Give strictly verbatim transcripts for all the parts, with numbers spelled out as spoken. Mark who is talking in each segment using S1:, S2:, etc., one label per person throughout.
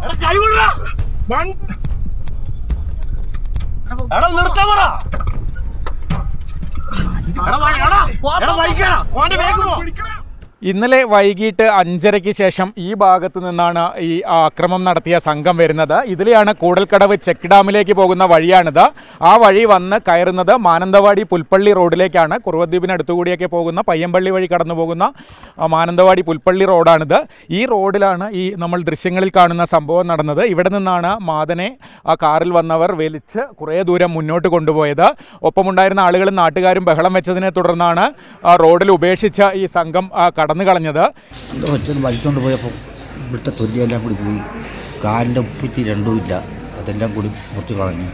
S1: ഇന്നലെ വൈകിട്ട് അഞ്ചരയ്ക്ക് ശേഷം ഈ ഭാഗത്തു നിന്നാണ് ഈ ആക്രമണം നടത്തിയ സംഘം വരുന്നത്. ഇതിലെയാണ് കൂടൽക്കടവ് ചെക്ക് ഡാമിലേക്ക് പോകുന്ന വഴിയാണിത്. ആ വഴി വന്ന് കയറുന്നത് മാനന്തവാടി പുൽപ്പള്ളി റോഡിലേക്കാണ്. കുറുവദ്വീപിനടുത്തുകൂടിയൊക്കെ പോകുന്ന പയ്യമ്പള്ളി വഴി കടന്നു പോകുന്ന മാനന്തവാടി പുൽപ്പള്ളി റോഡാണിത്. ഈ റോഡിലാണ് ഈ നമ്മൾ ദൃശ്യങ്ങളിൽ കാണുന്ന സംഭവം നടന്നത്. ഇവിടെ നിന്നാണ് മാതനെ ആ കാറിൽ വന്നവർ വലിച്ച് കുറേ ദൂരം മുന്നോട്ട് കൊണ്ടുപോയത്. ഒപ്പമുണ്ടായിരുന്ന ആളുകളും നാട്ടുകാരും ബഹളം വെച്ചതിനെ തുടർന്നാണ് റോഡിൽ ഉപേക്ഷിച്ച ഈ സംഘം കടന്നു കളഞ്ഞത്.
S2: വലിച്ചുകൊണ്ട് പോയപ്പോൾ ഇവിടുത്തെ തൊലിയെല്ലാം കൂടി പോയി, കാലിൻ്റെ ഉപ്പിറ്റി രണ്ടും ഇല്ല, അതെല്ലാം കൂടി മുറിച്ച് കളഞ്ഞു.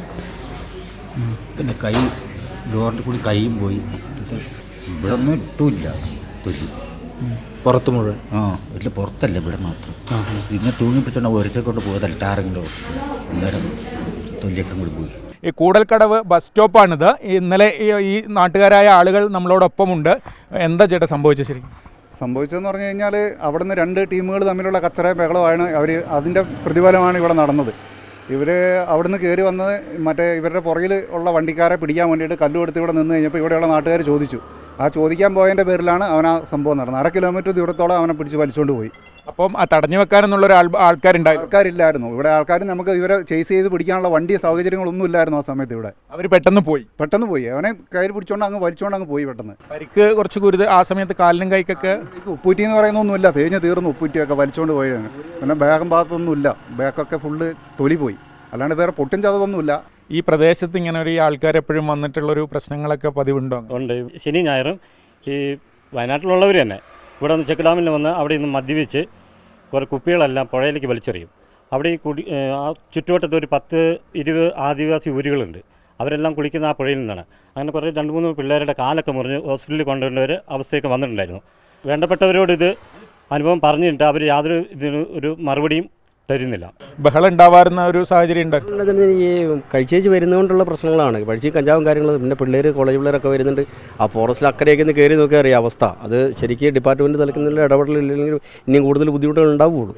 S2: പിന്നെ കൈ ഡോറിൻ്റെ കൂടി കൈയും പോയി. ഇവിടെ ഒന്നും ഇട്ടുമില്ല തൊലി
S3: പുറത്ത് മുഴുവൻ.
S2: ആ വീട്ടിൽ പുറത്തല്ല, ഇവിടെ മാത്രം. ഇങ്ങനെ തൂങ്ങി പിടിച്ചോണ്ട് ഒരുത്തെ കൊണ്ട് പോയതല്ല, ടാറിൻ്റെ അന്നേരം തൊലിയൊക്കെ കൂടി പോയി.
S1: ഈ കൂടൽക്കടവ് ബസ് സ്റ്റോപ്പാണിത്. ഇന്നലെ ഈ നാട്ടുകാരായ ആളുകൾ നമ്മളോടൊപ്പമുണ്ട്. എന്താ ചേട്ടാ സംഭവിച്ചത്? ശരിക്കും
S4: സംഭവിച്ചതെന്ന് പറഞ്ഞു കഴിഞ്ഞാൽ അവിടെ നിന്ന് രണ്ട് ടീമുകൾ തമ്മിലുള്ള കച്ചറ ബഹളമാണ്. അവർ അതിൻ്റെ പ്രതിഫലമാണ് ഇവിടെ നടന്നത്. ഇവർ അവിടുന്ന് കയറി വന്നത് മറ്റേ ഇവരുടെ പുറകിൽ ഉള്ള വണ്ടിക്കാരെ പിടിക്കാൻ വേണ്ടിയിട്ട് കല്ല് കൊടുത്ത് ഇവിടെ നിന്ന് കഴിഞ്ഞപ്പോൾ ഇവിടെയുള്ള നാട്ടുകാർ ചോദിച്ചു. ആ ചോദിക്കാൻ പോയതിൻ്റെ പേരിലാണ് അവൻ ആ സംഭവം നടന്നത്. അര കിലോമീറ്റർ ദൂരത്തോളം അവനെ പിടിച്ച് വലിച്ചുകൊണ്ട് പോയി.
S1: അപ്പം ആ തടഞ്ഞു വെക്കാനെന്നുള്ളൊരു ആൾ ആൾക്കാരുണ്ടായി
S4: ആൾക്കാരില്ലായിരുന്നു ഇവിടെ. ആൾക്കാർ നമുക്ക് ഇവരെ ചേസ് ചെയ്ത് പിടിക്കാനുള്ള വണ്ടി സൗകര്യങ്ങളൊന്നും ഇല്ലായിരുന്നു ആ സമയത്ത്. ഇവിടെ
S1: അവർ പെട്ടെന്ന് പോയി പെട്ടെന്ന്
S4: പോയി അവനെ കയ്യിൽ പിടിച്ചോണ്ട് അങ്ങ് വലിച്ചോണ്ട് അങ്ങ് പോയി പെട്ടെന്ന്.
S1: പരിക്ക് കുറച്ച് ഗുരുത ആ സമയത്ത് കാലിനും കൈക്കൊക്കെ
S4: ഉപ്പൂറ്റി എന്ന് പറയുന്നൊന്നുമില്ല, തേഞ്ഞ് തീർന്നു ഉപ്പൂറ്റിയൊക്കെ വലിച്ചോണ്ട് പോയാണ്. പിന്നെ ബാഗം ഭാഗത്തൊന്നുമില്ല, ബാഗൊക്കെ ഫുള്ള് തൊലി പോയി, അല്ലാണ്ട് വേറെ പൊട്ടും ചതവൊന്നുമില്ല.
S1: ഈ പ്രദേശത്ത് ഇങ്ങനെ ഒരു ആൾക്കാർ എപ്പോഴും വന്നിട്ടുള്ളൊരു പ്രശ്നങ്ങളൊക്കെ പതിവുണ്ടോ?
S5: ഉണ്ട്. ശനി ഞായറും ഈ വയനാട്ടിലുള്ളവർ തന്നെ ഇവിടെ നിന്ന് ചെക്ക് ഡാമിൽ വന്ന് അവിടെ നിന്ന് മദ്യപിച്ച് കുറേ കുപ്പികളെല്ലാം പുഴയിലേക്ക് വലിച്ചെറിയും. അവിടെ ഈ കുടി ആ ചുറ്റുവട്ടത്ത് ഒരു പത്ത് ഇരുപത് ആദിവാസി ഊരുകളുണ്ട്. അവരെല്ലാം കുളിക്കുന്ന ആ പുഴയിൽ നിന്നാണ്. അങ്ങനെ കുറേ രണ്ട് മൂന്ന് പിള്ളേരുടെ കാലൊക്കെ മുറിഞ്ഞ് ഹോസ്പിറ്റലിൽ കൊണ്ടുവരേണ്ട ഒരു അവസ്ഥയൊക്കെ വന്നിട്ടുണ്ടായിരുന്നു. വേണ്ടപ്പെട്ടവരോട് ഇത് അനുഭവം പറഞ്ഞിട്ട് അവർ യാതൊരു ഇതിന് ഒരു മറുപടിയും തരുന്നില്ല.
S1: ബഹളം ഉണ്ടാവാറുന്ന ഒരു സാഹചര്യം ഉണ്ട്.
S3: ഈ കഴിച്ചേച്ച് വരുന്നതുകൊണ്ടുള്ള പ്രശ്നങ്ങളാണ്. കഴിച്ച് കഞ്ചാവും കാര്യങ്ങളും. പിന്നെ പിള്ളേർ കോളേജ് പിള്ളേരൊക്കെ വരുന്നുണ്ട്. ആ ഫോറസ്റ്റിൽ അക്കരയൊക്കെ ഒന്ന് കയറി നോക്കിയാൽ അറിയാം അവസ്ഥ. അത് ശരിക്കും ഡിപ്പാർട്ട്മെൻറ്റ് തലക്കുന്നില്ല ഇടപെടലില്ലെങ്കിൽ ഇനിയും കൂടുതൽ ബുദ്ധിമുട്ടുകൾ ഉണ്ടാവുകയുള്ളൂ.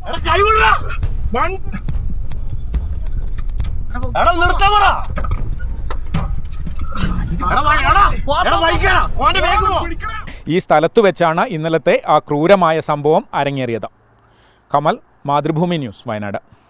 S1: ഈ സ്ഥലത്ത് വെച്ചാണ് ഇന്നലത്തെ ആ ക്രൂരമായ സംഭവം അരങ്ങേറിയത്. കമൽ, മാതൃഭൂമി ന്യൂസ്, വയനാട്.